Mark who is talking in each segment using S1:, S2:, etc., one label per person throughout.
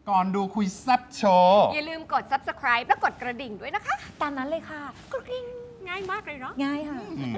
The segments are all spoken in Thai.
S1: ก่อนดูคุยแซ่บโชว์
S2: อย่าลืมกด subscribe และกดกระดิ่งด้วยนะคะ
S3: ตามนั้นเลยค่ะ
S2: กระดิ่งง่ายมากเลยเนาะ
S3: ง่ายค่ะ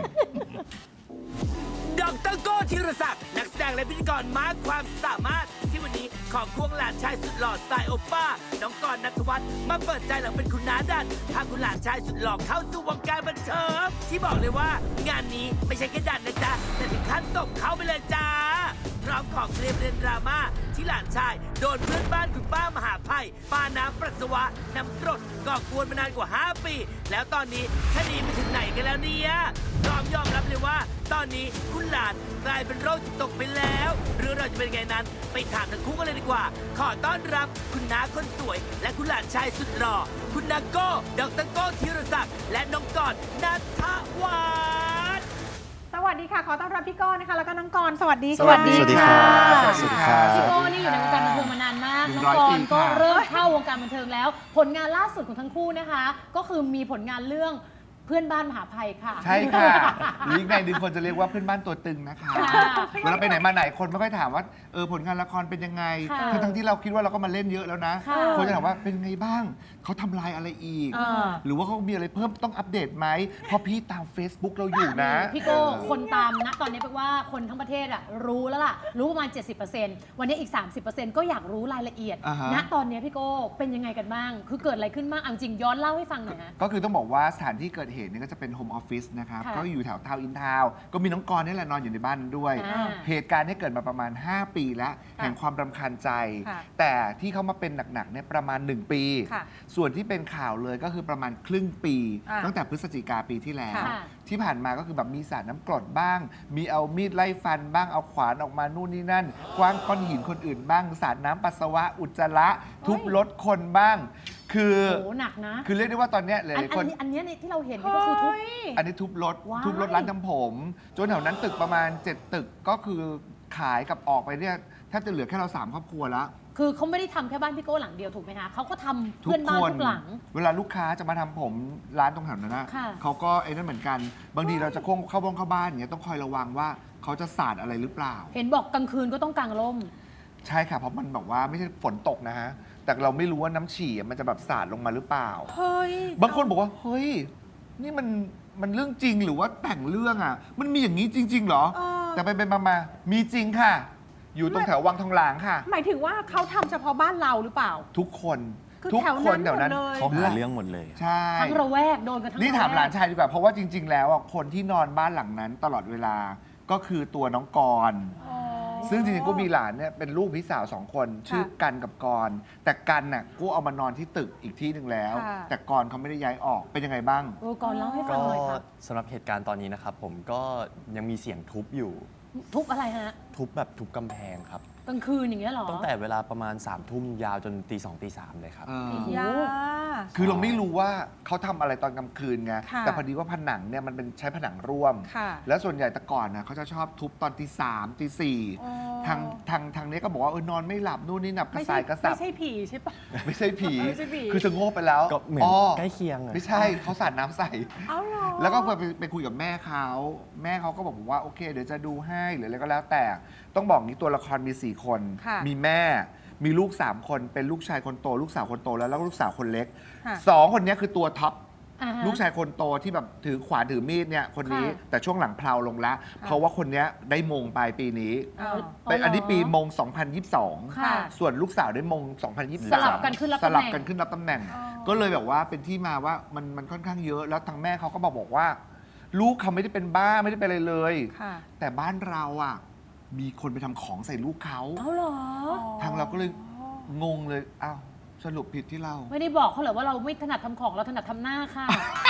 S4: ดรโก้ธีรศักดิ์นักแสดงและพิธีกรมากความสามารถที่วันนี้ขอควงหลานชายสุดหล่อสไตล์โอป้า น้องกรณ์ณัฐวัฒน์มาเปิดใจหลังเป็นคุณน้าดันพาคุณหลานชายสุดหล่อเข้าสู่วงการบันเทิงที่บอกเลยว่างานนี้ไม่ใช่แค่ดันนะจ๊ะแต่ถึงขั้นตบเข้าไปเลยจ้าพร้อมของเคลียร์ประเด็นดราม่าที่หลานชายโดนเพื่อนบ้านคุณป้ามหาภัยปาน้ำปัสสาวะน้ำกรดก่อกวนมานานกว่า 5 ปี แล้วตอนนี้คดีไปถึงไหนกันแล้วเนี่ยพร้อมยอมรับเลยว่า ตอนนี้คุณหลานกลายเป็นโรคจิตตกไปแล้วเรื่องเราวจะเป็นไงนั้นไปถามทั้งคู่กันเลยดีกว่า ขอต้อนรับคุณน้าคนสวย และคุณหลานชายสุดหล่อคุณนาโก้ดรโก้ธีรศักดิ์และน้องกรณ์ณัฐวัฒน์
S5: สวัสดีค่ะ ขอต้อนรับพี่ก้อนนะคะ แล้วก็น้องกรณ์สวัสดี
S1: สวัสดีค่ะ
S3: สวัสดีค่ะ
S1: สวัสดีค่ะ
S3: พี่โก้นี่อยู่ในวงการบันเทิงมานานมาก น้องก
S1: 100
S3: ร
S1: ปี
S3: ณ์ก็
S1: ค่ะ
S3: เริ่มเข้าวงการบันเทิงแล้ว ผลงานล่าสุดของทั้งคู่นะคะ ก็คือมีผลงานเรื่องเพื่อนบ้านมหาภัยค่ะ
S1: ใช่ค่ะหรืออีกในหนึ่งคนจะเรียกว่าเพื่อนบ้านตัวตึงนะคะ
S3: ค่ะ
S1: เวลาไปไหนมาไหนคนไม่ค่อยถามว่าผลงานละครเป็นยังไง
S3: ค่ะ
S1: ทั้งที่เราคิดว่าเราก็มาเล่นเยอะแล้วนะ
S3: ค่ะ
S1: คนจะถามว่าเป็นไงบ้างเขาทำลายอะไรอีก หรือว่าเขามีอะไรเพิ่มต้องอัปเดตไหมเพราะพี่ตาม Facebook เราอยู่นะ
S3: พี่โก้คนตามนะตอนนี้เป็นว่าคนทั้งประเทศอะรู้แล้วล่ะ รู้ประมาณ 70%วันนี้อีก 30%ก็อยากรู้รายละเอียด
S1: อ่าฮะ
S3: ณตอนนี้พี่โก้เป็นยังไงกันบ้าง คือเกิดอะไรขึ้นบ้างเอาจริงย้อนเล่าให้ฟังหน่อยฮะ
S1: ก็คือต้องบอกว่าสถานที่เกิดเหตุเนี่ยก็จะเป็นโฮมออฟฟิศนะครับ
S3: ค่ะ
S1: ก็อยู่แถวทาวน์อินทาวน์ก็มีน้องกรณ์นี่แหละนอนอยู่ในบ้านนั้นด้วย
S3: อ่า
S1: เหตุการณ์เนี้เกิดมาประมาณ 5 ปีแล้ว แห่งความรำคาญใจ
S5: ค่ะ
S1: แต่ที่เขามาเป็นหนักๆเนี่ยประมาณ 1 ปี
S5: ค่ะ
S1: ส่วนที่เป็นข่าวเลยก็คือประมาณครึ่งปี
S5: อ่า
S1: ตั้งแต่พฤศจิกาปีที่แล้ว
S3: ค่ะ
S1: ที่ผ่านมาก็คือแบบมีสาดน้ำกรดบ้าง มีเอามีดไล่ฟันบ้างเอาขวานออกมานู่นนี่นั่นกว้างก้อนหินคนอื่นบ้างสาดน้ำปัสสาวะอุจจาระทุบรถคนบ้าง คือ
S3: โหหนักนะ
S1: คือเรียกได้ว่าตอนเนี้ยหลายๆคน
S3: อันเนี้ยที่เราเห็นนี่ก็คือทุบ
S1: อันนี้ทุบรถ
S3: ว้าย
S1: ทุบรถร้านทำผม จนแถวนั้นตึกประมาณ 7 ตึกก็คือขายกับออกไปเนี่ยแทบจะเหลือแค่เรา 3 ครอบครัวแล้ว
S3: คือเขาไม่ได้ทำแค่บ้านพี่โก้หลังเดียวถูกไหมคะเขาก็ทำ
S1: ทุ
S3: เพื่
S1: ก
S3: อน
S1: ค
S3: บ้าน
S1: น
S3: ทุกหลัง
S1: เวลาลูกค้าจะมาทำผมร้านตรงแถวนั้นนะ
S3: ค่ะ
S1: เขาก็ไอ้นั่นเหมือนกัน บางทีเราจะเข้าบ้านอย่างเงี้ยต้องคอยระวังว่าเขาจะสาดอะไรหรือเปล่า
S3: เห็นบอกกลางคืนก็ต้องกางร่ม
S1: ใช่ค่ะเพราะมันบอกว่าไม่ใช่ฝนตกนะฮะแต่เราไม่รู้ว่าน้ำฉี่มันจะแบบสาดลงมาหรือเปล่า
S5: เฮ้ย
S1: บางคนบอกว่าเฮ้ยนี่มันเรื่องจริงหรือว่าแต่งเรื่องอ่ะ มันมีอย่างนี้จริง ๆ เหรอ
S5: เออ
S1: แต่ไปมามีจริงค่ะ อยู่ตรงแถววังทองหลางค่ะ
S5: หมายถึงว่าเขาทำเฉพาะบ้านเราหรือเปล่า
S1: ทุกคน
S5: คือ
S1: ทุก
S5: แถว
S1: ค
S5: นั้น
S1: นแถวนั้น
S5: หมดเลย
S6: เขาหาเรื่องหมดเลย
S1: ใช่
S3: ทั้งระแวกโดนกันทั้ง
S1: นี่ถาม
S3: ระแวก
S1: หลานชายดีกว่าเพราะว่าจริง ๆ แล้วอ่ะคนที่นอนบ้านหลังนั้นตลอดเวลาก็คือตัวน้องกรณ์ซึ่งจริงๆก็มีหลานเนี่ยเป็นลูกพี่สาว2 คนชื่อกันกับกรณ์แต่กันน่ะกูเอามานอนที่ตึกอีกที่หนึ่งแล้ว
S5: ค่ะ
S1: แต่กรณ์เขาไม่ได้ย้ายออกเป็นยังไงบ้าง
S3: ก่อนเล่าให้ฟัง
S6: ก็
S3: หน่อยครับ
S6: สำหรับเหตุการณ์ตอนนี้นะครับผมก็ยังมีเสียงทุบอยู่
S3: ทุบอะไรฮะ
S6: ทุบแบบทุบกำแพงครับ
S3: กลางคืนอย่างเงี้ยเหรอ
S6: ตั้งแต่เวลาประมาณ3 ทุ่มยาวจนตี 2 ตี 3เลยครับ
S5: ยา
S1: คือเราไม่รู้ว่าเขาทำอะไรตอนกลางคืนไง
S5: ค่ะ
S1: แต่พอดีว่าผนังเนี่ยมันเป็นใช้ผนังร่วม
S5: ค่ะ
S1: แล้วส่วนใหญ่แต่ก่อนนะเขาจะชอบทุบตอนตี 3ตี
S5: อ๋อ
S1: 4ทางนี้ก็บอกว่าเออนอนไม่หลับนู่นนี่หนับกระสายกระสับ
S5: ไม่ใช่ผีใช่ปะ
S1: ไม่ใช่ผี
S5: ไม่ใช่ผี
S1: คือจะโง่ไปแล้ว
S6: ก็เหมือนใกล้เคียงอะ
S1: ไม่ใช่เขาสาดน้ำใส่
S5: เอาเหรอ
S1: แล้วก็ไปคุยกับแม่เขาก็บอกว่าโอเค เดี๋ยวจะดูให้หรืออะไรก็แล้วแต่ต้องบอกนี้ตัวละครมี 4 คน
S5: ค่ะ
S1: มีแม่มีลูก 3 คนเป็นลูกชายคนโต ลูกสาวคนโตแล้วก็ลูกสาวคนเล็ก
S5: ค่ะ
S1: 2 คนนี้คือตัวท็อป
S3: อ่าฮะ
S1: ลูกชายคนโตที่แบบถือขวานถือมีดเนี่ยคนนี้
S3: ค่ะ
S1: แต่ช่วงหลังเพลาลงแล้ว เพราะว่าคนเนี้ยได้มงปลายปีนี้
S5: อ้าว
S1: เป็นอันนี้ปีมง
S3: ค่ะ
S1: 2022 ส่วนลูกสาวได้มง 2023
S3: สลับกันขึ้นรับ
S1: ส
S3: ตำแหน่ง
S1: ลับกันขึ้นรับตำแหน่ง
S5: อ๋อ
S1: ก็เลยแบบว่าเป็นที่มาว่ามันค่อนข้างเยอะ แล้วทางแม่เขาก็บอกว่า ลูกเขาไม่ได้เป็นบ้าไม่ได้เป็นอะไรเลย
S5: ค่ะ
S1: แต่บ้านเราอ่ะมีคนไปทำของใส่ลูกเขา
S3: เอาเหรอ
S1: ทางเราก็เลยงงเลยอ้าวสรุปผิดที่เรา
S3: ไม่ได้บอกเขาเหรอว่าเราไม่ถนัดทำของเราถนัดทำหน้าค่ะ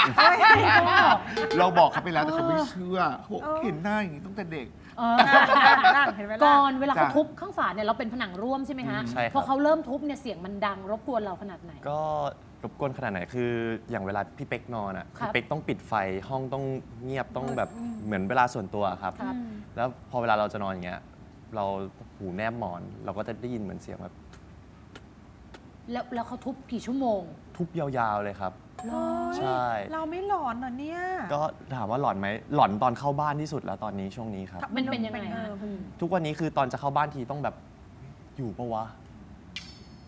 S1: เราบอกเขาไปแล้วแต่เขาไม่เชื่อเขาบอกเห็นหน้าอย่างนี้ตั้งแต่เด็ก
S3: เออ
S5: นั่งเห็นไหมล่ะ
S3: ก่อนเวลาเขา
S1: จ้ะ
S3: ทุบข้างฝาเนี่ยเราเป็นผนังร่วมใช่ไหมฮะ
S6: ใช่ครับ
S3: พอเขาเริ่มทุบเนี่ยเสียงมันดังรบกวนเราขนาดไหน
S6: ก็รบกวนขนาดไหนคืออย่างเวลาพี่เป๊กนอนอ่ะ
S3: ครับ
S6: พี่เป๊กต้องปิดไฟห้องต้องเงียบต้องแบบเหมือนเวลาส่วนตัวครับ
S3: ครับ
S6: แล้วพอเวลาเราจะนอนอย่างเงี้ยเราหูแนบหมอน เราก็จะได้ยินเหมือนเสียงแบบ
S3: แล้วเขาทุบกี่ชั่วโมง
S6: ทุบยาวๆเลยครับ
S5: เฮ้ย
S6: ใช่
S5: เราไม่หลอนเหรอเนี่ย
S6: ก็ถามว่าหลอนไหมหลอนตอนเข้าบ้านที่สุดแล้วตอนนี้ช่วงนี้ครับ
S3: มันเป็นยังไงฮะ
S5: เออ
S6: ทุกวันนี้คือตอนจะเข้าบ้านทีต้องแบบอยู่ปะวะ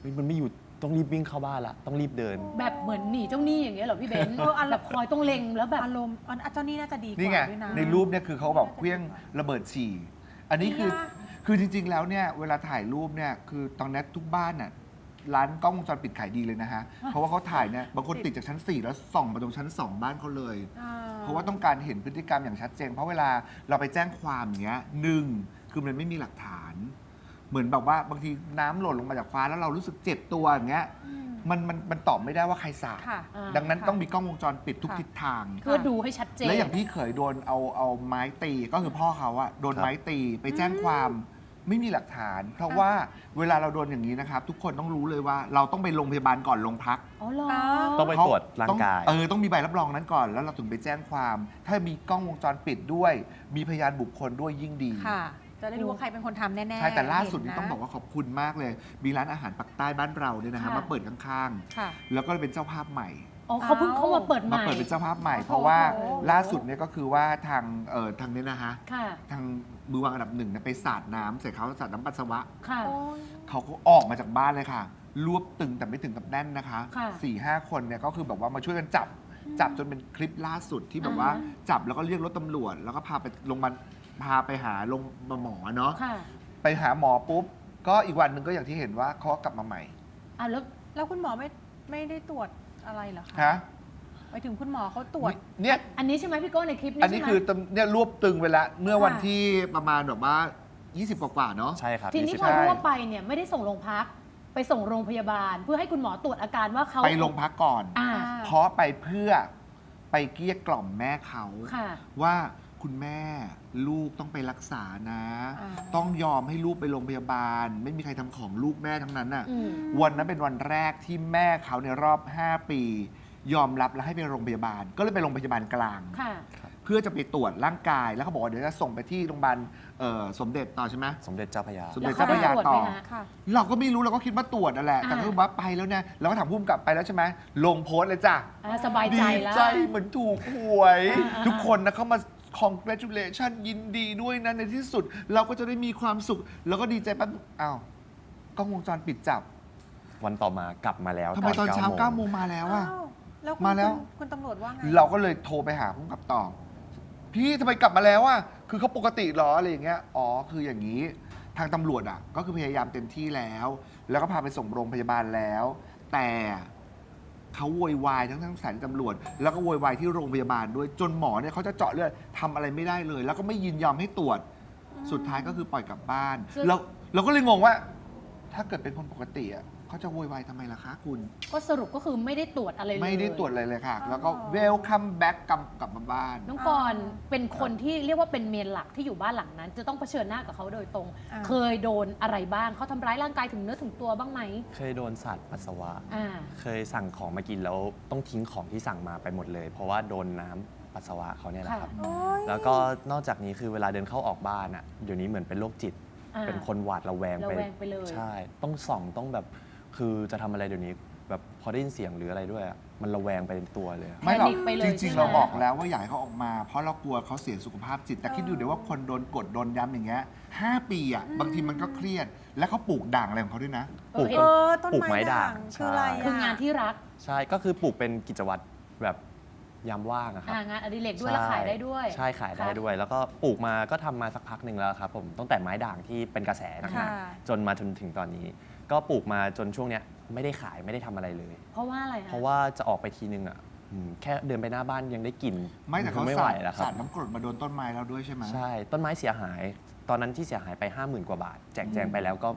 S6: ฮ้ยมันไม่อยู่ต้องรีบวิ่งเข้าบ้านละต้องรีบเดิน
S3: แบบเหมือนหนีเจ้าหนี้อย่างเงี้ยเหรอพี่เบนซ์ แบบคอยต้องเล็งแล้วแบบ
S5: อารมณ์เจ้านี่น่าจะดีก
S1: นี่ไง
S5: ว่าด้วยนะ
S1: ในรูปเนี่ยคือเขาแบบเคลี้ยงระเบิดฉี่ อันนี้คือจริง ๆ แล้วเนี่ยเวลาถ่ายรูปเนี่ยคือตอนนี้ทุกบ้านน่ะร้านกล้องวงจรปิดขายดีเลยนะฮะ เพราะว่าเขาถ่ายเนี่ยบางคนติดจากชั้น 4 แล้วส่องมาตรงชั้น 2 บ้านเขาเลย เพราะว่าต้องการเห็นพฤติกรรมอย่างชัดเจน เพราะเวลาเราไปแจ้งความอย่างเงี้ยหนึ่งคือมันไม่มีหลักฐาน เหมือนแบบว่าบางทีน้ำหล่นลงมาจากฟ้าแล้วเรารู้สึกเจ็บตัวอย่างเงี้ยมันตอบไม่ได้ว่าใครสาด
S5: ค่ะ
S1: ดังนั้นต้องมีกล้องวงจรปิดทุกทิศทาง
S3: เพื่อดูให้ชัดเจน
S1: และอย่างพี่เขยโดนเอาไม้ตีก็คือพ่อเขาอะโดน
S6: ครับ
S1: ไม้ตีไปแจ้งความไม่มีหลักฐาน เพราะว่าเวลาเราโดนอย่างนี้นะครับ ทุกคนต้องรู้เลยว่าเราต้องไปโรงพยาบาลก่อนโรงพัก
S3: อ๋อเหรอ
S6: ต้องไปตรวจร่างกาย
S1: ต้องมีใบรับรองนั้นก่อนแล้วเราถึงไปแจ้งความ ถ้ามีกล้องวงจรปิดด้วย มีพยานบุคคลด้วยยิ่งดี
S5: ค่ะ จะได้รู้ว่าใครเป็นคนทำแน่ๆ
S1: ใช่แต่ล่าสุดนี้
S5: เห็ะ
S1: ต้องบอกว่าขอบคุณมากเลย มีร้านอาหารปักใต้บ้านเราเนี่ยนะฮะ
S3: ค่ะ
S1: มาเปิดข้าง
S5: ค่ะ
S1: ๆแล้วก็เป็นเจ้าภาพใหม่
S3: อ๋อเขาเพิ่งเข้ามาเปิดให
S1: มา
S3: ม่
S1: เปิดเป็นเจ้าภาพใหม่
S5: โอ้โห
S1: เพราะว่าล่าสุดเนี่ยก็คือว่าทางนี้นะฮะ
S3: ค่ะ
S1: ทางมือวางอันดับหนึ่งเนี่ยไปสาดน้ำใส่เขาสาดน้ำปัสสาวะ
S3: ค่ะ
S5: โอ้ย
S1: เขาก็ออกมาจากบ้านเลยค่ะ รวบตึงแต่ไม่ถึงกับแน่นนะคะ
S3: ค่ะ
S1: 4-5 คนเนี่ยก็คือแบบว่ามาช่วยกันจับจนเป็นคลิปล่าสุดที่แบบว่า
S3: อ่าฮะ
S1: จับแล้วก็เรียกรถตำรวจ แล้วก็พาไปโรงพยาบาลพาไปหาโรงหมอเนาะ
S3: ค่ะ
S1: ไปหาหมอปุ๊บ ก็อีกวันหนึ่งก็อย่างที่เห็นว่าเขาก็กลับมาใหม่
S3: อ่ะแล้ว
S5: แล้วคุณหมอไม่ได้ตรวจอะไรเหรอคะ
S1: ฮะ
S5: ไปถึงคุณหมอเขาตรวจ
S1: เนี่ย
S3: อันนี้ใช่ไหมพี่โก้ในคลิปนี้
S1: อันนี้
S3: ใช่ไหม
S1: คือเนี่ยรวบตึงไปแล้วเมื่อวัน
S5: ค่ะ
S1: ที่ประมาณแบบว่า 20 กว่าๆเนาะ
S6: ใช่ครับ
S3: ทีนี้
S6: 20
S3: พอรู้ว่าไปเนี่ยไม่ได้ส่งโรงพัก ไปส่งโรงพยาบาล เพื่อให้คุณหมอตรวจอาการว่าเขา
S1: ไปโรงพักก่อน
S3: อ่า
S1: เพราะไปเพื่อไปเกลี้ยกล่อมแม่เขา
S3: ค่ะ
S1: ว่าคุณแม่ลูกต้องไปรักษานะ
S5: อ่า
S1: ต้องยอมให้ลูกไปโรงพยาบาล ไม่มีใครทำของลูกแม่ทั้งนั้นน่ะ
S3: อืม
S1: วันนั้นเป็นวันแรกที่แม่เขาในรอบ 5 ปี ยอมรับและให้ไปโรงพยาบาล ก็เลยไปโรงพยาบาลกลาง
S3: ค่ะ
S1: เพื่อจะไปตรวจร่างกายแล้วเขาบอกว่าเดี๋ยวจะส่งไปที่โรงพยาบาลสมเด็จต่อใช่ไหม
S6: สมเด็จเจ้าพระยา
S1: สมเด็จเจ้าพระยาต่อ
S3: แล้วเขาได้ตรวจไหมฮะ
S5: ค่ะ
S1: เราก็ไม่รู้เราก็คิดว่าตรวจนั่นแหละแต่
S3: อ่า
S1: ก็ว่าไปแล้วเนี่ยเราก็ถามพุ่มกลับไปแล้วใช่ไหมลงโพสต์เลยจ้ะ
S3: อ่าสบายใจ
S1: ดี
S3: แล้ว
S1: ใจเหมือนถูกหวย
S3: อ่า
S1: ทุกคนนะเข้ามา congratulation ยินดีด้วยนะในที่สุด เราก็จะได้มีความสุข แล้วก็ดีใจปั๊บอ้าวกล้องวงจรปิดจับ
S6: วันต่อมากลับมาแล้ว
S1: ทำไมตอนเช้า
S6: 9
S1: 9 โมงมาแล้วอะ
S5: อ้าวแล้ว
S1: มาแล้ว
S5: คุณตำรวจว่าไง
S1: เราก็เลยโทรไปหาพุ่มกับต่อ พี่ทำไมกลับมาแล้วอะคือเขาปกติเหรออะไรอย่างเงี้ยอ๋อคืออย่างนี้ ทางตำรวจอะก็คือพยายามเต็มที่แล้ว แล้วก็พาไปส่งโรงพยาบาลแล้ว แต่เขาโวยวายทั้งสถานีตำรวจ แล้วก็โวยวายที่โรงพยาบาลด้วยจนหมอเนี่ยเขาจะเจาะเลือดทำอะไรไม่ได้เลย แล้วก็ไม่ยินยอมให้ตรวจ สุดท้ายก็คือปล่อยกลับบ้าน
S3: ซึ่ง
S1: เราก็เลยงงว่า ถ้าเกิดเป็นคนปกติอะเขาจะโวยวายทำไมล่ะคะคุณ
S3: ก็สรุปก็คือไม่ได้ตรวจอะไรเลย
S1: ไม่ได้ตรวจอะไรเลยค่ะ แล้วก็
S5: อ๋อ
S1: welcome back กลับมาบ้าน
S3: น้องกรณ์เป็นคนที่เรียกว่าเป็นเมนหลักที่อยู่บ้านหลังนั้น จะต้องเผชิญหน้ากับเขาโดยตรง
S5: อ่า
S3: เคยโดนอะไรบ้างเขาทำร้ายร่างกายถึงเนื้อถึงตัวบ้างไหม
S6: เคยโดนสาดปัสสาวะ
S3: อ่า
S6: เคยสั่งของมากินแล้วต้องทิ้งของที่สั่งมาไปหมดเลย เพราะว่าโดนน้ำปัสสาวะเขาเนี่ยแหละครับ
S5: โอ๊ย
S6: แล้วก็นอกจากนี้คือเวลาเดินเข้าออกบ้านอ่ะเดี๋ยวนี้เหมือนเป็นโรคจิต
S3: อ่า
S6: เป็นคนหวาดระแวง
S3: ระแวงไปเลย
S6: ใช่ ต้องส่องต้องแบบคือจะทำอะไรเดี๋ยวนี้ แบบพอได้ยินเสียงหรืออะไรด้วยอะมันระแวงไปในตัวเลยอะ
S1: ไม่หรอก
S3: แพนิคไปเลย
S1: จ
S3: ใช่
S1: ริง
S3: ไหม
S1: ๆ เราบอกแล้วว่าอยากให้เขาออกมา เพราะเรากลัวเขาเสียสุขภาพจิต แต่คิดดูเดี๋ยวว่าคนโดนกดโดนย้ำอย่างเงี้ย5 ปีอ่ะบางทีมันก็เครียด แล้วเขาปลูกด่างอะไรของเขาด้วยนะ
S6: ปลูก
S3: เห็น
S5: ต้น
S6: ปลูก
S5: ไม้
S6: ไม้ด่าง
S5: คืออะไร
S3: คืองานที่รัก
S6: ใช่ก็คือปลูกเป็นกิจวัตรแบบยามว่างอะครับ
S3: งานอดิเรกด้วยแล้วขายได้ด้วย
S6: ใช่ขายได้ด้วย แล้วก็ปลูกมาก็ทำมาสักพักหนึ่งแล้วครับผมตั้งแต่ไม้ด่างที่เป็นกระแสนะครั
S5: ค่ะ
S6: บจนมาจนถึงตอนนี้ ก็ปลูกมาจนช่วงเนี้ยไม่ได้ขายไม่ได้ทำอะไรเลย
S3: เพราะว่าอะไรคะ
S6: เพราะว่าจะออกไปทีนึงอ่ะแค่เดินไปหน้าบ้านยังได้กลิ่น
S1: ไม่แต่เขา
S6: ไม่ไหว
S1: สาด
S6: แล้วครั
S1: สา
S6: บ
S1: ดน้ำกรดมาโดนต้นไม้เราด้วยใช่ไหม
S6: ใช่ต้นไม้เสียหาย ตอนนั้นที่เสียหายไป 50,000 กว่าบาท แจกแจงไปแล้วก็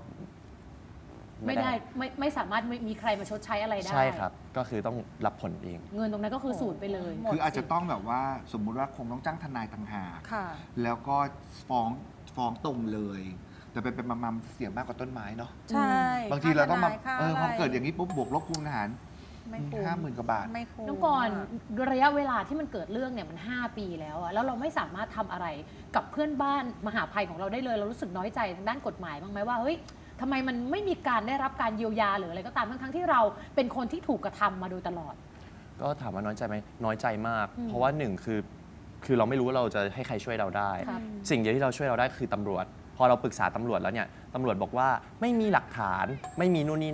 S3: ไม่สามารถมีใครมาชดใช้อะไรได้
S6: ใช่ครับ ก็คือต้องรับผลเอง
S3: เงินตรงนั้นก็คือสูญไปเลย
S5: หมด
S1: คืออาจจะต้องแบบว่าสมมุติว่าคงต้องจ้างทนายต่างหาก
S5: ค่ะ
S1: แล้วก็ฟ้องตรงเลย แต่เป็นมาเสียมากกว่าต้นไม้เนาะ
S5: ใช่
S1: บางทีเราต้องมา
S5: ค่
S1: พอเกิดอย่างนี้ปุ๊บบวกลบคูณหาร
S5: ไม่คุ้ม
S1: 50,000 กว่าบาท
S5: ไม่คุ้ม
S3: น้องกรณ์ระยะเวลาที่มันเกิดเรื่องเนี่ยมัน 5 ปีแล้วอะแล้วเราไม่สามารถทำอะไรกับเพื่อนบ้านมหาภัยของเราได้เลย เรารู้สึกน้อยใจทางด้านกฎหมายบ้างไหมว่าเฮ้ยทำไมมันไม่มีการได้รับการเยียวยาหรืออะไรก็ตามทั้งๆที่เราเป็นคนที่ถูกกระทำมาโดยตลอด
S6: ก็ถามว่าน้อยใจไหมน้อยใจมาก
S3: อืม
S6: เพราะว่าหนึ่งคือเราไม่รู้ว่าเราจะให้ใครช่วยเราได้
S3: ครับ
S6: สิ่งเดียวที่เราช่วยเราได้คือตำรวจ พอเราปรึกษาตำรวจแล้วเนี่ยตำรวจบอกว่าไม่มีหลักฐานไม่มีนู่นนี่นั่น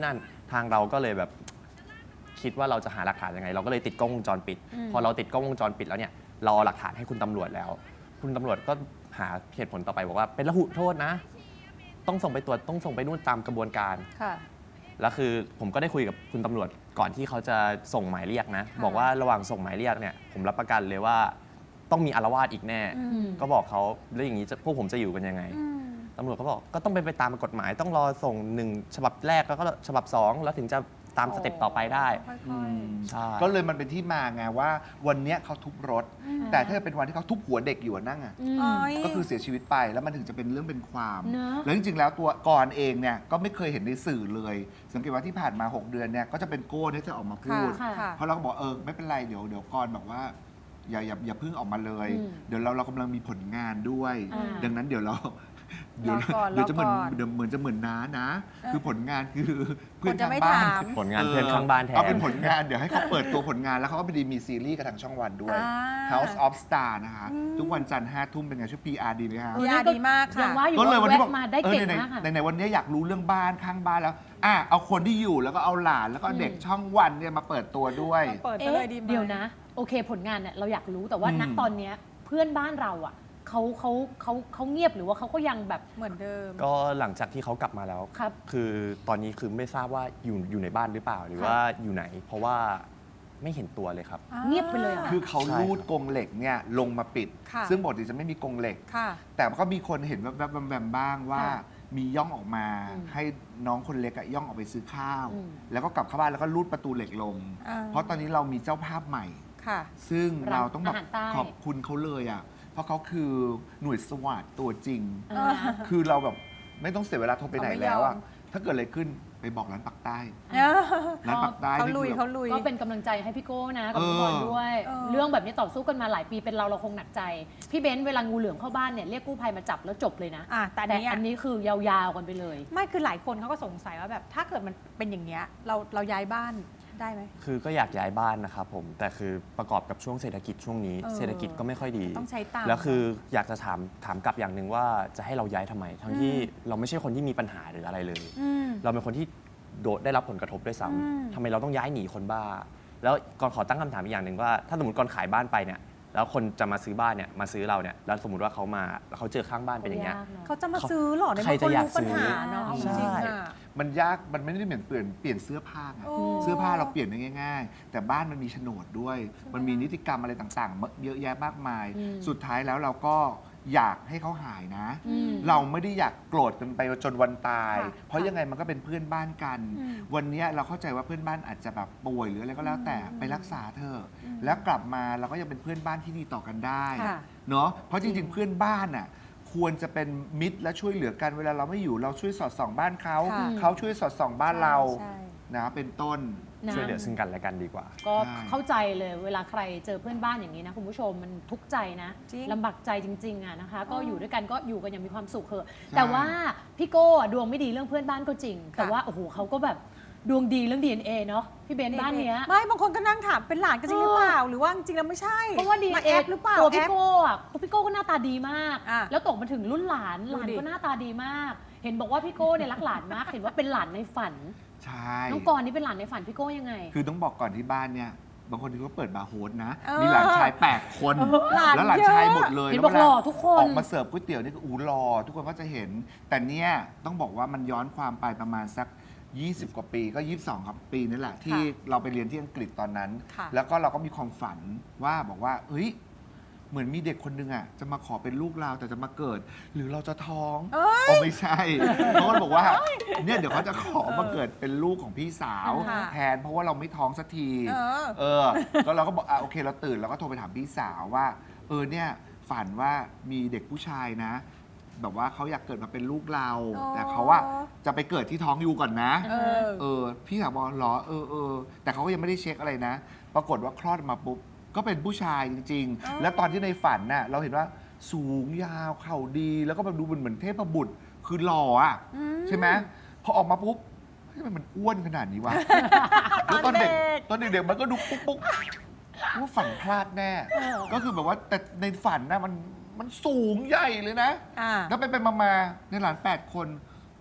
S6: ทางเราก็เลยแบบคิดว่าเราจะหาหลักฐานยังไง เราก็เลยติดกล้องวงจรปิด พอเราติดกล้องวงจรปิดแล้วเนี่ยเราเอาหลักฐานให้คุณตำรวจแล้ว คุณตำรวจก็หาเหตุผลต่อไปบอกว่าเป็นระหุโทษนะ ต้องส่งไปตรวจต้องส่งไปนู่นตามกระบวนการ
S5: ค่ะ
S6: แล้วคือผมก็ได้คุยกับคุณตำรวจก่อนที่เขาจะส่งหมายเรียกนะ บอกว่าระหว่างส่งหมายเรียกเนี่ยผมรับประกันเลยว่าต้องมีอาละวาดอีกแน่ ก็บอกเขาแล้วอย่างนี้พวกผมจะอยู่กันยังไงตำรวจก็บอกก็ต้องเป็นไปตามกฎหมาย ต้องรอส่ง1ฉบับแรกแล้วก็ฉบับ2แล้วถึงจะตามสเต็ปต่อไปได้
S5: ค่อย
S6: ใช่
S1: ก็เลยมันเป็นที่มาไงว่าวันเนี้ยเขาทุบรถ แต่ถ้าเป็นวันที่เขาทุบหัวเด็กอยู่นั่งอ่ะ
S5: ๆอ๋อย
S1: ก็คือเสียชีวิตไปแล้วมันถึงจะเป็นเรื่องเป็นความ
S3: เนอะ
S1: แล้วจริงๆแล้วตัวกรเองเนี่ยก็ไม่เคยเห็นในสื่อเลย สังเกตว่าที่ผ่านมา 6 เดือนเนี่ยก็จะเป็นโก้ที่จะออกมาพูด
S5: ค่ะค่ะ
S1: เพราะเราก็บอกไม่เป็นไรเดี๋ยวกรบอกว่าอย่าเพิ่งออกมาเลย เดี๋ยวเรากำลังมีผลงานด้วย
S3: อ่า
S1: ดังนั้นเดี๋ยวเรา
S5: รอก่อน
S1: เดี๋ยวจะเหมือน
S5: รอก่อน
S1: เดี๋ยวเหมือนจะเหมือนน้านะ คือผลงานคือเพื่อน
S5: คนจะ
S1: ข้าง
S5: ไม่
S1: บ้าน
S5: ถาม
S6: ผลงานเพื่อนข้างบ้านแทน
S1: เอาเป็นผลงานเดี๋ยวให้เขาเปิดตัวผลงานแล้วเขาก็ไปดีมีซีรีส์กับทางช่องวันด้วย House of Star นะคะ ทุกวันจันทร์5 ทุ่มเป็นไงช่วย PR ดีไหมคะ
S5: เออ ดีมากค่ะ
S3: ยังว่าอยู่
S1: ก็เลย
S3: ว่า
S1: วันนี้
S3: แวะ
S1: บอก
S3: มาได้เก่ง
S1: ไหน
S3: มากค่ะ
S1: ๆไหนๆวันนี้อยากรู้เรื่องบ้านข้างบ้านแล้วเอาคนที่อยู่แล้วก็เอาหลานแล้วก็เด็กช่องวันเนี่ยมาเปิดตัวด้วย
S5: เปิดซะเลยดีไหม
S3: เดี๋ยวนะ โอเคผลงานเนี่ยเราอยากรู้แต่ว่าณตอนเนี้ยเพื่อนบ้านเราอ่ะเขาเงียบหรือว่าเขาก็ยังแบบ
S5: เหมือนเดิม
S6: ก็หลังจากที่เขากลับมาแล้ว
S3: ครับ
S6: คือตอนนี้คือไม่ทราบว่าอยู่ในบ้านหรือเปล่าหรือว่าอยู่ไหน เพราะว่าไม่เห็นตัวเลยครับ
S3: เงียบไปเลยเหรอ
S1: คือเขา
S6: ใช่
S1: ลูดกรงเหล็กเนี่ยลงมาปิด
S5: ค่ะ
S1: ซึ่งปกติจะไม่มีกรงเหล็ก
S5: ค่ะ
S1: แต่ก็มีคนเห็นแวบๆบ้างว่า
S3: ค่ะ
S1: มีย่องออกมา
S3: อืม
S1: ให้น้องคนเล็กอะย่องออกไปซื้อข้าว
S3: อืม
S1: แล้วก็กลับเข้าบ้านแล้วก็ลูดประตูเหล็กลง
S5: อ่า
S1: เพราะตอนนี้เรามีเจ้าภาพใหม่
S5: ค่ะ
S1: ซึ่งเราต้องแบบ
S3: อาหารใต้
S1: ขอบคุณเขาเลยอ่ะ เพราะเขาคือหน่วยสวาทตัวจริง
S3: อ่า
S1: คือเราแบบไม่ต้องเสียเวลาโทรไปไหนแล้วอ่ะ
S5: เขาไม่ยอม
S1: ถ้าเกิดอะไรขึ้นไปบอกร้านปักใต้
S5: เออ
S1: ร้านปักใต้
S5: เขา
S1: นี่
S5: ลุย
S1: คือ
S5: เขาลุย
S3: ก็เป็นกำลังใจให้พี่โก้นะกับพี่บอลด้วย
S5: เออ
S3: เรื่องแบบนี้ต่อสู้กันมาหลายปีเป็นเราคงหนักใจ พี่เบ้นเวลางูเหลือมเข้าบ้านเนี่ยเรียกกู้ภัยมาจับแล้วจบเลยนะ
S5: แต่
S3: แต่
S5: อั
S3: อั
S5: น
S3: น
S5: นี้
S3: นี้คือยาวๆกันไปเลย
S5: ไม่คือหลายคนเขาก็สงสัยว่าแบบถ้าเกิดมันเป็นอย่างเงี้ยเราย้ายบ้านได้ไหม
S6: คือก็อยากย้ายบ้านนะครับผม แต่คือประกอบกับช่วงเศรษฐกิจช่วงนี้
S5: เออ
S6: เศรษฐกิจก็ไม่ค่อยดี
S5: ต้องใช้ตังค์
S6: แล้วคืออยากจะถามกลับอย่างหนึ่งว่าจะให้เราย้ายทำไม ทั้งที่เราไม่ใช่คนที่มีปัญหาหรืออะไรเลย
S5: อืม
S6: เราเป็นคนที่ได้รับผลกระทบด้วยซ้
S5: อืม
S6: ำทำไมเราต้องย้ายหนีคนบ้า แล้วก่อนขอตั้งคำถามอีกอย่างหนึ่งว่า ถ้าสมมติก่อนขายบ้านไปเนี่ย แล้วคนจะมาซื้อบ้านเนี่ยมาซื้อเราเนี่ยแล้วสมมติว่าเขามาแล้วเขาเจอข้างบ้านเป็นอย่างเงี้ย
S5: เขาจะมาซื้อเหรอใน
S6: ใคร
S5: เมื่อเขา
S6: จะอยาก
S5: รู้ปัญหาเนาะ
S6: ซื้อ
S5: จริง
S6: ใช่
S5: ๆอะ
S1: มันยากมันไม่ได้เหมือนเปลี่ยนเสื้อผ้าไง
S5: โอ้
S1: เสื้อผ้าเราเปลี่ยนได้ง่าย ๆ แต่บ้านมันมีโฉนดด้วย มันมีนิติกรรมอะไรต่างๆ เยอะแยะมากมาย
S3: อืม
S1: สุดท้ายแล้วเราก็อยากให้เขาหายนะ
S3: อืม
S1: เราไม่ได้อยากโกรธกันไปจนวันตาย
S5: ค่ะ
S1: เพราะยังไงมันก็เป็นเพื่อนบ้านกัน
S5: อืม
S1: วันเนี้ยเราเข้าใจว่าเพื่อนบ้านอาจจะแบบป่วยหรืออะไรก็แล้วแต่ไปรักษาเธอะแล้วกลับมาเราก็ยังเป็นเพื่อนบ้านที่ดีต่อกันได้
S5: ค่ะ
S1: เนาะเพราะจริงๆ เพื่อนบ้านน่ะควรจะเป็นมิตรและช่วยเหลือกันเวลาเราไม่อยู่เราช่วยสอดส่องบ้านเขา
S5: ค่ะ
S1: เขาช่วยสอดส่องบ้านเรา
S5: ใช่
S1: นะเป็นต้น
S3: นะ
S6: ช่วยเหลือซึ่งกันและกันดีกว่า
S3: ก็
S1: ใช่
S3: เข้าใจเลยเวลาใครเจอเพื่อนบ้านอย่างนี้นะคุณผู้ชมมันทุกข์ใจนะ
S5: จริง
S3: ลำบากใจจริงๆอะนะคะ ก็อยู่ด้วยกันก็อยู่กันอย่างมีความสุขเถอะ
S1: ใช่
S3: แต่ว่าพี่โก้อะดวงไม่ดีเรื่องเพื่อนบ้านก็จริง แต่ว่าโอ้โหเขาก็แบบดวงดีเรื่อง DNA เนาะพี่เบนบ้านเนี้ย
S5: ไม่บางคนก็นั่งถามเป็นหลานกันจริงหรือเปล่า หรือว่าจริงๆแล้วไม่ใช่
S3: เพราะว่า
S5: มา
S3: DNA
S5: แอปหรือเปล่า
S3: ตัว
S5: แอ
S3: พี่
S5: ป
S3: โก้อะพี่โก้ก็หน้าตาดีมาก
S5: อ่ะ
S3: แล้วตกมาถึงรุ่นหลาน
S5: ดูดิ
S3: ก็หน้าตาดีมาก เห็นบอกว่าพี่โก้เนี่ยรักหลานมาก เห็นว่าเป็นหลานในฝัน
S1: ใช่
S3: น้องกรณ์นี่เป็นหลานในฝันพี่โก้ยังไง
S1: คือต้องบอกก่อนที่บ้านเนี่ยบางคนที่เขาเปิดบาร์โฮสนะ
S5: เออ
S1: มีหลานชาย 8 คน
S5: หลาน
S1: แล้วหลาน
S5: เยอะ
S1: ชายหมดเลย
S3: เห็น
S1: แล้ว
S3: บอกหล่อทุกคน
S1: ออกมาเสิร์ฟก๋วยเตี๋ยวนี่ก็หล่อทุกคนก็จะเห็น แต่เนี่ยต้องบอกว่ามันย้อนความไปประมาณสัก 20 กว่าปีก็ 22 ครับปีนี่แหละ ที่เราไปเรียนที่อังกฤษตอนนั้น
S5: ค่ะ
S1: แล้วก็เราก็มีความฝันว่าบอกว่าเฮ้ยเหมือนมีเด็กคนนึงอ่ะจะมาขอเป็นลูกเราแต่จะมาเกิด หรือเราจะท้องโอ้ไม่ใช่ เพราะว่าบอกว่าเนี่ยเดี๋ยวเขาจะขอมาเกิดเป็นลูกของพี่สาว
S5: ค่ะ
S1: แทนเพราะว่าเราไม่ท้องสักที
S5: เออ
S1: ก็เราก็บอกโอเคเราตื่นเราก็โทรไปถามพี่สาวว่าเนี่ยฝันว่ามีเด็กผู้ชายนะ แบบว่าเขาอยากเกิดมาเป็นลูกเรา
S5: อ๋อ
S1: แต่เขาว่าจะไปเกิดที่ท้องยูก่อนนะ
S5: เออ
S1: พี่สาวบอกเหรอแต่เขาก็ยังไม่ได้เช็คอะไรนะ ปรากฏว่าคลอดมาปุ๊บก็เป็นผู้ชายจริง
S5: อ๋อ
S1: ๆ แล้วตอนที่ในฝันน่ะเราเห็นว่าสูงยาวเข่าดี แล้วก็แบบดูเหมือนเทพบุตรคือหล่ออ่ะใช่ไหมพอออกมาปุ๊บเฮ้ยทำไมมันอ้วนขนาดนี้วะ แล้วตอนเด็กมันก็ดูปุ๊กว่าฝันพลาดแน่ ก็คือแบบว่าแต่ในฝันนะมันสูงใหญ่เลยนะ
S5: อ่า
S1: แล้วไปมาในหลาน 8 คน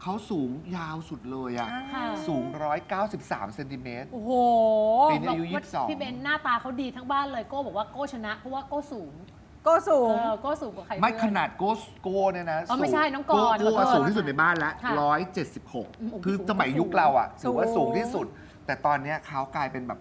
S1: เขาสูงยาวสุดเลยอะ
S3: ค่ะ
S1: สูง 193 เซนติเมตร
S5: โอ้โห
S1: ปีนี้อายุ
S3: บกว่พี่เบนหน้าตาเขาดีทั้งบ้านเลยโก้บอกว่าโก้ชนะเพราะว่าโก้สูง
S5: ก็สูง
S3: โก้สูงกว่าใคร
S1: ไม่
S3: เพื่อ
S1: ขนาดโก้เนี่ยนะ
S3: อ๋อไม่ใช่น้องกร
S1: โก้
S3: ขอโทษ
S1: สูงที่สุดในบ้านแล้ว
S3: ค่ะ
S1: 176 คือสมัยยุคเราอะถือว่าสูงที่สุด แต่ตอนเนี้ยเขากลายเป็นแบบ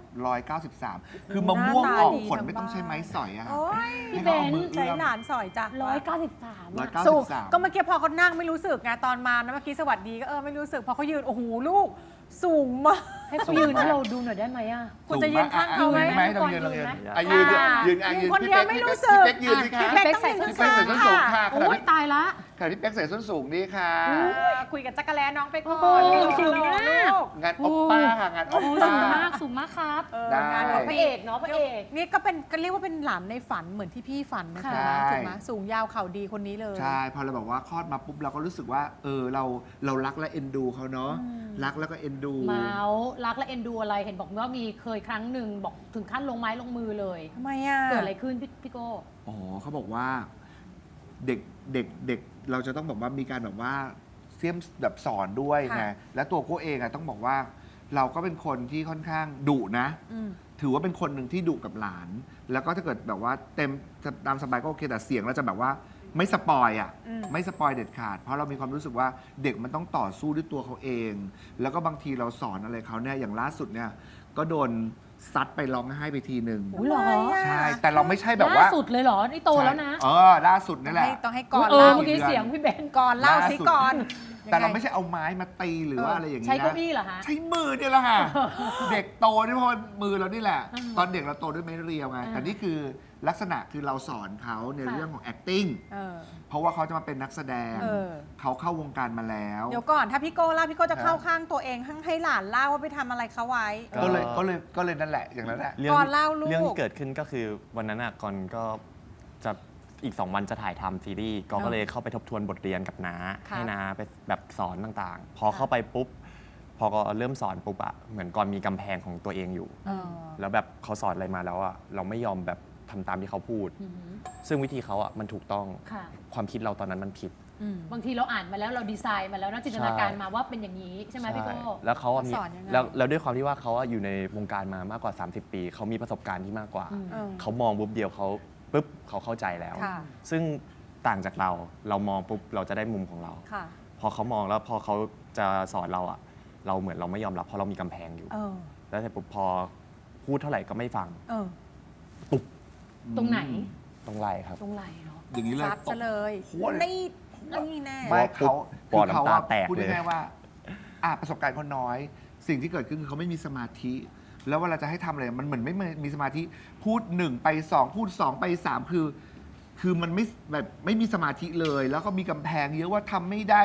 S1: 193 คือมะม่วงออกผลไม่ต้องใช้ไม้สอยอะ
S5: โอ้ย
S1: ให้เขาเอามือ
S5: ใช้
S1: เอื้อม
S5: หลานสอยจ้ะ
S3: 193อะ
S1: 193
S5: สูงก็เมื่อกี้พอเขานั่งไม่รู้สึกไงตอนมานะเมื่อกี้สวัสดีก็ไม่รู้สึกพอเขายืนโอ้โหลูกสูงมาก
S3: ให้เขายืนให้เราดูหน่อยได้ไหมอ่ะ
S5: คุณจะยืนข้างเขาไหม
S1: ยืนไหมต้องยืนลองยืน
S3: ไหม
S1: อ่ะยืนยืนอ่ะ
S5: ยื
S1: ยื
S5: น
S1: น
S5: คนเดียวไม่รู้สึก
S1: พี่เป๊กยืนสิคะ
S5: พี่เป๊กต้องยืน
S1: พี่เป๊กใส่ส้นสูงค่ะขณะ
S3: โอ้ย
S1: ที่
S3: ตายละ
S1: ขณะที่เป๊กใส่ส้นสูงนี่ค่ะ
S5: คุยกับจักรแลน้องไปก่อน
S3: โอ้โห
S5: สูงมาก
S1: งานโอปป้าค่ะงานโอ
S3: โอ้
S1: ป
S3: สู
S1: ป้า
S3: งมากสูงมากครับ
S1: ได้
S5: งาน
S3: พ
S5: ของ
S3: ระ
S5: พี่
S3: เอกเนาะพระเอก
S5: นี่ก็เป็นก็เรียกว่าเป็นหลานในฝันเหมือนที่พี่ฝันนะ
S3: ค่ะ
S5: คะถูกไหมสูงยาวเข่าดีคนนี้เลย
S1: ใช่ พอเราบอกว่าคลอดมาปุ๊บเราก็รู้สึกว่าเรารักและเอ็นดูเขาเนาะรักแล้วก็เอ็นดู
S3: เมาส์รักและเอ็นดูอะไรเห็นบอกว่ามีเคยครั้งหนึ่งบอกถึงขั้นลงไม้ลงมือเลย
S5: ทำไมอ่ะ
S3: เกิดอะไรขึ้นพี่โก้
S1: อ๋อเขาบอกว่าเด็กเราจะต้องแบบว่ามีการแบบว่าเสี่ยมแบบสอนด้วยไงและตัวโก้เองอะต้องบอกว่า เราก็เป็นคนที่ค่อนข้างดุนะ
S5: อืม
S1: ถือว่าเป็นคนหนึ่งที่ดุกับหลาน แล้วก็ถ้าเกิดแบบว่าเต็มตามสบายก็โอเคแต่เสียงเราจะแบบว่าไม่สปอยอ่ะ
S5: อืม
S1: ไม่สปอยเด็ดขาด เพราะเรามีความรู้สึกว่าเด็กมันต้องต่อสู้ด้วยตัวเขาเอง แล้วก็บางทีเราสอนอะไรเขาเนี่ยอย่างล่าสุดเนี่ยก็โดนซัดไปร้องไห้ไปทีหนึ่ง
S3: อุ๊ยเหรอ
S5: ทำไมะ
S1: ใช่แต่เราไม่ใช่แบบว่า
S3: ล่าสุดเลยเหรอ นี่โตแล้วนะ
S1: ใช่ล่าสุดนี่แหละ
S5: ต้องให้ก่อน
S3: เออ
S5: เล่า
S3: เมื่อกี้เสียงพี่เบน
S5: ก่อนเล่าสิ
S1: ล่าสุด
S5: ก่อน
S1: แต่เรา
S5: ยังง
S1: ไม่ใช่เอาไม้มาตีหรือว่าอะไรอย่างนี้นะ
S3: ใช้เก้าอี้เหรอฮะ
S1: ใช้มือเนี่ยแหละค่ะ เด็กโตด้วยเพราะมือเรานี่แหละ ตอนเด็กเราโตด้วยไม้เรียวไง แต่นี่คือลักษณะคือเราสอนเขาใน
S3: ค่ะ
S1: เรื่องของ acting
S5: เออ
S1: เพราะว่าเขาจะมาเป็นนักแสดง
S5: เออ
S1: เขาเข้าวงการมาแล้ว
S5: เดี๋ยวก่อนถ้าพี่โก้เล่าพี่โก้จะ
S1: ครับ
S5: เข้าข้างตัวเองให้หลานเล่าว่าไปทำอะไรเขาไว้
S1: ก็เลยนั่นแหละอย่างนั้นแหละ
S5: ก่อนเล่าลูก
S6: เรื่องที่เกิดขึ้นก็คือวันนั้นอ่ะก่อนก็จะอีก 2 วันจะถ่ายทำซีรีส์ก็เลยเข้าไปทบทวนบทเรียนกับน้า
S5: ค่ะ
S6: ให้น้าไปแบบสอนต่างๆ พอเข้าไปปุ๊บ พอก็เริ่มสอนปุ๊บอะเหมือนก่อนมีกำแพงของตัวเองอยู่
S5: เออ
S6: แล้วแบบเขาสอนอะไรมาแล้วอะเราไม่ยอมแบบทำตามที่เขาพูด
S3: อือหือ
S6: ซึ่งวิธีเขาอะมันถูกต้อง
S3: ค่ะ
S6: ความคิดเราตอนนั้นมันผิด
S5: อืม
S3: บางทีเราอ่านมาแล้วเราดีไซน์มาแล้วนะจินตนาการมาว่าเป็นอย่างนี้ใช่ไหมพี่โก้
S6: แล้วเขาอะมี
S5: สอนยังไง
S6: แล้วด้วยความที่ว่าเขาอะอยู่ในวงการมามากกว่า 30 ปี เขามีประสบการณ์ที่มากกว่า
S3: อืม
S5: เออ
S6: เขามองปุ๊บเดียวเขาปุ๊บเขาเข้าใจแล้ว
S5: ค่ะ
S6: ซึ่งต่างจากเรามองปุ๊บเราจะได้มุมของเรา
S5: ค่ะ
S6: พอเขามองแล้วพอเขาจะสอนเราอะเราเหมือนเราไม่ยอมรับเพราะเรามีกำแพงอยู่
S5: เออ
S6: แล้วแต่ปุ๊บพอพูดเท่าไหร่ก็ไม่ฟัง
S5: เออ
S3: ตรงไหน
S6: ตรงไหล่ครับ
S3: ตรงไหนเนาะ
S1: อย่างนี้เลย
S5: ซัดซะเลย
S1: โคตร
S5: นี่แน่
S1: ไม่
S6: ปุ๊
S1: เขา
S6: บปอด
S1: เขา
S6: น้ำตาแตก
S1: พูด
S6: เลย
S1: ง่ายๆว่าประสบการณ์เขาน้อย สิ่งที่เกิดขึ้นคือเขาไม่มีสมาธิ แล้วเวลาจะให้ทำอะไรมันเหมือนไม่มีสมาธิพูด1ไป2พูด2ไป3คือมันไม่แบบไม่มีสมาธิเลย แล้วก็มีกำแพงเยอะว่าทำไม่ได้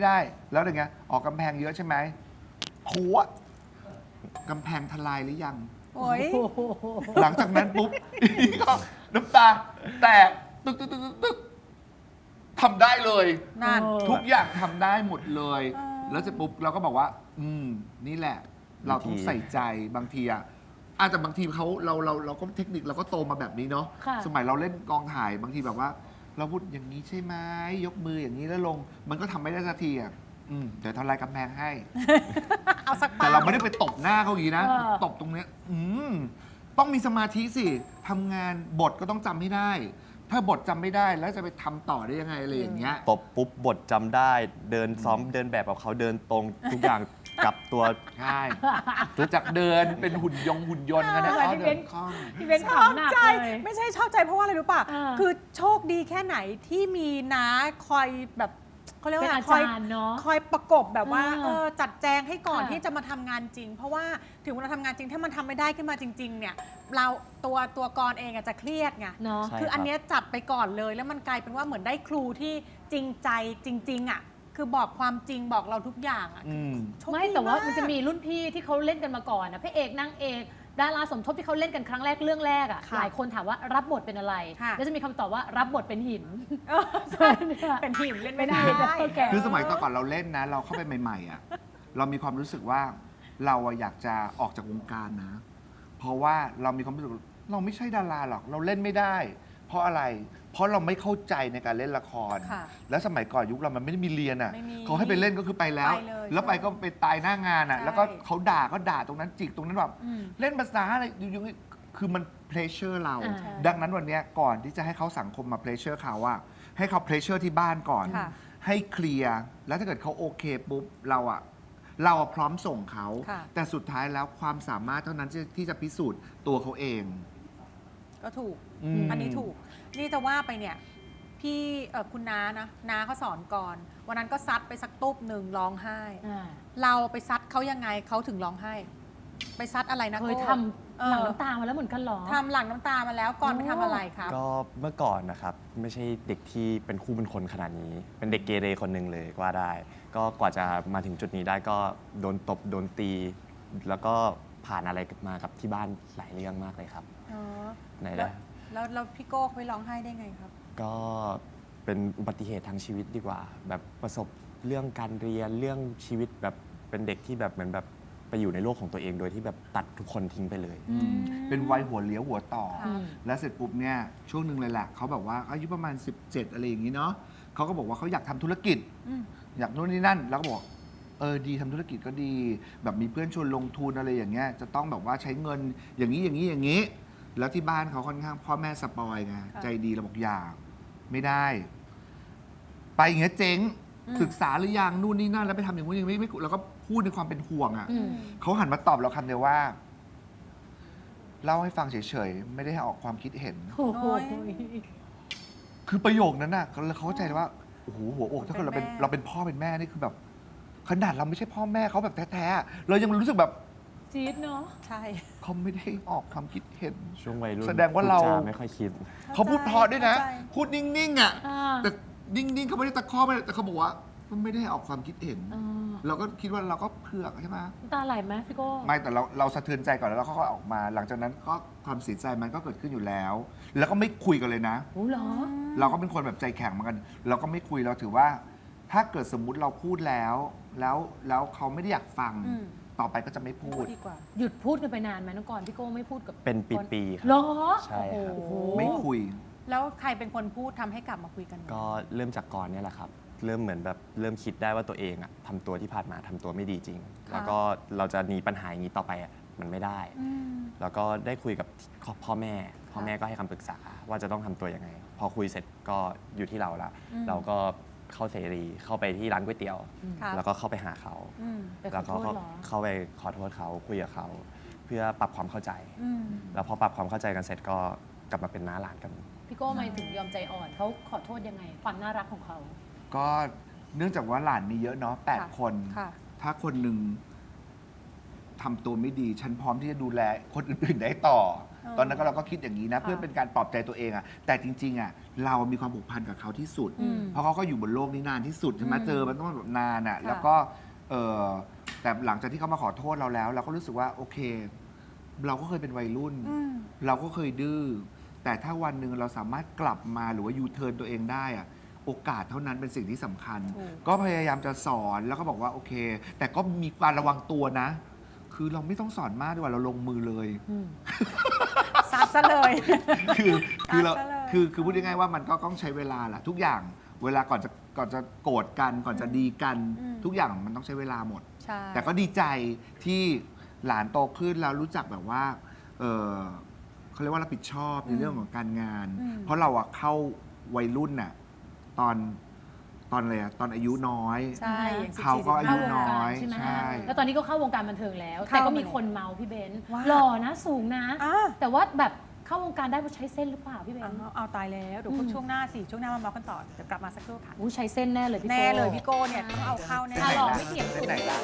S1: แล้วอย่างเงี้ยออกกำแพงเยอะใช่ไหมหัวกำแพงทลายหรือยัง
S5: โอ้ย
S1: หลังจากนั้นปุ๊บ ก็น้ำตาแตกตึกทำได้เลย
S5: นั่น
S1: ทุกอย่างทำได้หมดเลย
S5: อ่า
S1: แล้วเสร็จปุ๊บเราก็บอกว่า นี่แหละ เราต้องใส่ใจบางทีอะแต่บางทีเราก็เทคนิคเราก็โตมาแบบนี้เนาะ
S3: ค่ะ
S1: สมัยเราเล่นกองถ่ายบางทีแบบว่า เราพูดอย่างนี้ใช่ไหมยกมืออย่างนี้แล้วลง มันก็ทำไม่ได้สักทีอะเดี๋ยวทำลายกำแพงให้
S5: เอาสัก
S1: แต่เราไม่ได้ไปตบหน้าเขาอย่างนี้นะ
S3: เออ
S1: ตบตรงเนี้ยต้องมีสมาธิสิทำงานบทก็ต้องจำให้ได้ ถ้าบทจำไม่ได้แล้วจะไปทำต่อได้ยังไงอะไรอย่างเงี้ย
S6: ตบปุ๊บบทจำได้ เดินซ้อมเดินแบบกับเขาเดินตรงทุกอย่าง กลับตัว
S1: ใช่รู้จักเดินเป็นหุ่นยนต์กันนะ
S3: เออ
S1: อ๋อ
S3: พี่
S1: เดิ
S3: เบ
S1: น
S3: น
S1: คล่อง
S3: พี่เบน
S5: ชอบ
S3: ขำหนัก
S5: ใจ
S3: เลย
S5: ไม่ใช่ชอบใจเพราะว่าอะไรรู้ป่ะ
S3: อ่า
S5: คือโชคดีแค่ไหนที่มีน้าคอยแบบเขาเรียก
S3: เป็น
S5: ว่า
S3: อา
S5: คอย
S3: จารย์เนาะ
S5: คอยประกบแบบว่า จัดแจงให้ก่อน
S3: ค่ะ
S5: ที่จะมาทำงานจริง เพราะว่าถึงเวลาทำงานจริงถ้ามันทำไม่ได้ขึ้นมาจริง ๆ เนี่ย เราตัวกรเองอะจะเครียดไง
S3: เนาะ
S6: ใช่
S5: คืออัน
S6: ครับ
S5: เนี้ยจัดไปก่อนเลย แล้วมันกลายเป็นว่าเหมือนได้ครูที่จริงใจจริง ๆอะคือบอกความจริงบอกเราทุกอย่างอะ โชคดี
S3: ไม่แต่ว่ามัน
S5: ก
S3: จะมีรุ่นพี่ที่เขาเล่นกันมาก่อนนะพระเอกนางเอกดาราสมทบที่เขาเล่นกันครั้งแรกเรื่องแรกอ่ะ
S5: ค่ะ
S3: หลายคนถามว่ารับบทเป็นอะไร
S5: ค่ะ
S3: แล้วจะมีคำตอบว่ารับบทเป็นหิน
S5: เออใช่เป็นหินเล่นไม่ได้
S3: แก
S1: คือสมัยก่อนเราเล่นนะ เราเข้าไปใหม่ๆอ่ะเรามีความรู้สึกว่าเราอะอยากจะออกจากวงการนะ เพราะว่าเรามีความรู้สึกเราไม่ใช่ดาราหรอก เราเล่นไม่ได้เพราะอะไร เพราะเราไม่เข้าใจในการเล่นละคร
S5: ค่ะ
S1: แล้วสมัยก่อนยุคเรามันไม่ได้มีเรียนอ่ะ
S5: ไม่มี
S1: เขาให้ไปเล่นก็คือไปแล้ว
S5: ไปเลย
S1: แล้วไปก็ไปตายหน้างานอ่ะ
S5: ใช่
S1: แล้วก็เขาด่าก็ด่าตรงนั้นจิกตรงนั้นแบบ
S5: อืม
S1: เล่นภาษาอะไรอยู่ๆคือมันเพรสเชอร์เรา
S3: อ่า
S1: ดังนั้นวันเนี้ยก่อนที่จะให้เขาสังคมมาเพรสเชอร์เขาอะให้เขาเพรสเชอร์ที่บ้านก่อน
S5: ค่ะ
S1: ให้เคลียร์แล้วถ้าเกิดเขาโอเคปุ๊บเราอะพร้อมส่งเขา
S5: ค่ะ
S1: แต่สุดท้ายแล้วความสามารถเท่านั้นที่จะพิสูจน์ตัวเขาเอง
S5: ก็ถูก
S1: ม
S5: อันนี้ถูก นี่จะว่าไปเนี่ยพี่คุณน้านะน้าเขาสอนก่อน วันนั้นก็ซัดไปสักตุ๊บหนึ่งร้องไห้
S3: อ่า
S5: เราไปซัดเขายังไงเขาถึงร้องไห้ ไปซัดอะไรนะ
S3: เคย
S5: โก้
S3: ทำหลังน้ำตามาแล้วเหมือนกันเหรอ
S5: ทำหลังน้ำตามาแล้วก่อนไปทำอะไรครับ
S6: ก็เมื่อก่อนนะครับ ไม่ใช่เด็กที่เป็นคู่เป็นคนขนาดนี้ เป็นเด็กเกเรคนหนึ่งเลยก็ว่าได้ ก็กว่าจะมาถึงจุดนี้ได้ก็โดนตบโดนตี แล้วก็ผ่านอะไรมากับที่บ้านหลายเรื่องมากเลยครับ
S5: อ๋อ
S6: ไหน
S5: แล้ว
S6: นะ
S5: แล้วพี่โก้เขาไปร้องไห้ได้ไงครับ
S6: ก็เป็นอุบัติเหตุทางชีวิตดีกว่า แบบประสบเรื่องการเรียนเรื่องชีวิตแบบเป็นเด็กที่แบบเหมือนแบบไปอยู่ในโลกของตัวเองโดยที่แบบตัดทุกคนทิ้งไปเลย
S1: เป็นวัยหัวเลี้ยวหัวต่อ
S5: ค่ะ
S1: แล้วเสร็จปุ๊บเนี่ยช่วงหนึ่งเลยแหละเขาแบบว่าอายุประมาณ 17 อะไรอย่างนี้เนาะเขาก็บอกว่าเขาอยากทำธุรกิจ
S5: อืม
S1: อยากนู่นนี่นั่น แล้วก็บอกดีทำธุรกิจก็ดี แบบมีเพื่อนชวนลงทุนอะไรอย่างเงี้ยจะต้องแบบว่าใช้เงินอย่างนี้อย่างนี้อย่างนี้ แล้วที่บ้านเขาค่อนข้างพ่อแม่สปอยไงใจดีเราบอกอย่าไม่ได้ ไปอย่างเงี้ยเจ๊งศึกษาหรือยังนู่นนี่นั่นแล้วไปทำอย่างนู้นอย่างนี้ไม่แล้วก็พูดในความเป็นห่วงอ่ะ
S3: อืม
S1: เขาหันมาตอบเราคำเดียวว่าเล่าให้ฟังเฉยๆไม่ได้ให้ออกความคิดเห็น
S3: โอ้โห
S1: คือประโยคนั้นน่ะเขาเข้าใจเลยว่าโอ้โหหัวอกถ้าเกิดเราเป็นพ่อเป็นแม่นี่คือแบบ ขนาดเราไม่ใช่พ่อแม่เขาแบบแท้ๆเรายังรู้สึกแบบ
S3: จี๊ดเนาะ
S5: ใช่
S1: เขาไม่ได้ออกความคิดเห็น
S6: ช่วงวัยรุ่น
S1: แสดงว่าเรา
S6: พูจไม่ค่อยคิด
S1: เขาพูดเพอด้วยนะ
S5: เข้าใจ
S1: พูดนิ่งๆอ่ะ
S3: อ่า
S1: แต่นิ่งๆเขาไม่ได้ตะคอกไม่ได้แต่เขาบอกว่ามันไม่ได้ออกความคิดเห็น
S3: อ่า
S1: เราก็คิดว่าเราก็เผือกใช่ไหม
S3: น้ำตาไหลไหมพี่โก้
S1: ไม่แต่เราสะเทือนใจก่อนแล้วเราก็ออกมา หลังจากนั้นก็ความเสียใจมันก็เกิดขึ้นอยู่แล้ว แล้วก็ไม่คุยกันเลยนะ
S3: โอ้เหรอ
S1: เราก็เป็นคนแบบใจแข็งเหมือนกัน เราก็ไม่คุยเราถือว่า ถ้าเกิดสมมุติเราพูดแล้วเขาไม่ได้อยากฟัง
S5: อืม
S1: ต่อไปก็จะไม่พูด
S5: ดีกว่า
S3: หยุดพูดกันไปนานไหมน้องกรพี่โก้ไม่พูดกับ
S6: เป็นปีๆค
S3: เหร
S6: รับ
S3: อ
S6: ใช่ครับ
S3: โอ้โห
S1: ไม่คุย
S5: แล้วใครเป็นคนพูดทำให้กลับมาคุยกัน
S6: ก็เริ่มจากก่อนเนี่ยแหละครับ เริ่มเหมือนแบบเริ่มคิดได้ว่าตัวเองอะทำตัวที่ผ่านมาทำตัวไม่ดีจริง แล้วก็เราจะหนีปัญหาอย่างนี้ต่อไปอะมันไม่ได้
S5: อืม
S6: แล้วก็ได้คุยกับพ่อแม่ก็ให้คำปรึกษาว่าจะต้องทำตัวยังไง พอคุยเสร็จก็อยู่ที่เราละ
S5: อืม
S6: เราก็เข้าเสรีเข้าไปที่ร้านก๋วยเตี๋ยว
S5: ครับ
S6: แล้วก็เข้าไปหาเขา
S5: อืม
S3: ไปข
S6: แล้
S3: อ
S6: ว
S3: โท
S6: ก็
S3: ษเหรอ
S6: เข้าไปขอโทษเขาคุยกับเขาเพื่อปรับความเข้าใจ
S5: อืม
S6: แล้วพอปรับความเข้าใจกันเสร็จก็กลับมาเป็นน้าหลานกัน
S3: พี่โก้ไม่ถึงยอมใจอ่อนเขาขอโทษยังไง ความน่ารักของเขา
S1: ก็เนื่องจากว่าหลานมีเยอะเนาะ
S5: ค่ะ
S1: 8 คน
S5: ค่ะ
S1: ถ้าคนหนึ่งทำตัวไม่ดี ฉันพร้อมที่จะดูแลคนอื่นๆได้ต่อ ตอนนั้นก็เราก็คิดอย่างนี้นะ เพื่อเป็นการปลอบใจตัวเองอะแต่จริงๆอะเรามีความผูกพันกับเขาที่สุด
S5: อืม
S1: เพราะเขาก็อยู่บนโลกนี้นานที่สุดใช่ไหม
S5: อืม
S1: เจอมันต้องแบบนานอะ
S5: ค่ะ
S1: แล้วก็แต่หลังจากที่เขามาขอโทษเราแล้ว เราก็รู้สึกว่าโอเค เราก็เคยเป็นวัยรุ่น
S5: อืม
S1: เราก็เคยดื้อ แต่ถ้าวันหนึ่งเราสามารถกลับมาหรือว่ายูเทิร์นตัวเองได้อะโอกาสเท่านั้นเป็นสิ่งที่สำคัญ
S5: ถูก
S1: ก็พยายามจะสอนแล้วก็บอกว่าโอเค แต่ก็มีการระวังตัวนะ คือเราไม่ต้องสอนมากดีกว่าเราลงมือเลย
S5: ซัดซะเลย
S1: คือเรา
S5: ตัดซะเลย
S1: คือพูดง่ายๆว่ามันก็ต้องใช้เวลาแหละทุกอย่างเวลาก่อนจะโกรธกันก่อนจะดีกัน
S5: อืม
S1: ทุกอย่างมันต้องใช้เวลาหมด
S5: ใช่
S1: แต่ก็ดีใจที่หลานโตขึ้นแล้วรู้จักแบบว่าเขาเรียกว่ารับผิดชอบในเรื่องของการงาน เพราะเราอะเข้าวัยรุ่นน่ะตอนอะไรอะตอนอายุน้อย
S5: ใช่อย่าง
S1: เขาก็อายุ
S5: 14
S1: น้อย
S3: ใช่ไหม
S1: ใช่
S3: แล้วตอนนี้ก็เข้าวงการบันเทิงแล้ว
S5: เข้า
S3: แต่ก็มี
S5: มาเลย
S3: คนเมาพี่เบนซ์
S5: ว่า
S3: หล่อนะสูงนะ
S5: อ่ะ
S3: แต่ว่าแบบเข้าวงการได้เพราะใช้เส้นหรือเปล่าพี่เบนซ์
S5: เอาตายแล้วเดี๋ยวช่วงหน้าสิช่วงหน้ามาเมาส์กันต่อเดี๋ยวกลับมาสักครู่ค่ะ
S3: อู้ใช้เส้นแน่เลยพี่โก้
S5: แน่เลยพี่โก้เนี่ยต้องเอาเข้าแน่
S3: อ่ะหล่อไม่เถียง
S1: เส้นไหนล่ะ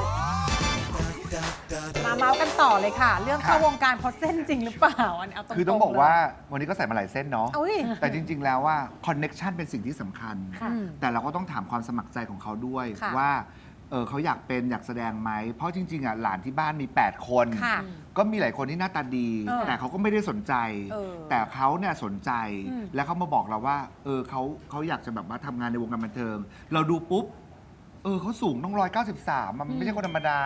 S5: มาเมาส์กันต่อเลยค่ะ เรื่องเข้าวงการเพราะเส้นจริงหรือเปล่าอันนี้เอาตรงๆ
S1: คือต้องบอกว่าวันนี้ก็ใส่มาหลายเส้นเนาะ
S5: อุ้ย
S1: แต่จริง ๆ แล้วว่าคอนเน็ชันเป็นสิ่งที่สำคัญ
S3: ค่ะ
S1: แต่เราก็ต้องถามความสมัครใจของเขาด้วย
S5: ค่ะ
S1: ว่าเขาอยากเป็นอยากแสดงไหม เพราะจริง ๆอ่ะหลานที่บ้านมี 8 คน
S5: ค่ะ
S1: ก็มีหลายคนที่หน้าตาดี แต่เขาก็ไม่ได้สนใจ
S5: เออ
S1: แต่เขาเนี่ยสนใจ
S5: อืม
S1: แล้วเขามาบอกเราว่าเขาอยากจะแบบว่าทำงานในวงการบันเทิง เราดูปุ๊บเขาสูงต้อง193มันไม่ใช่คนธรรมดา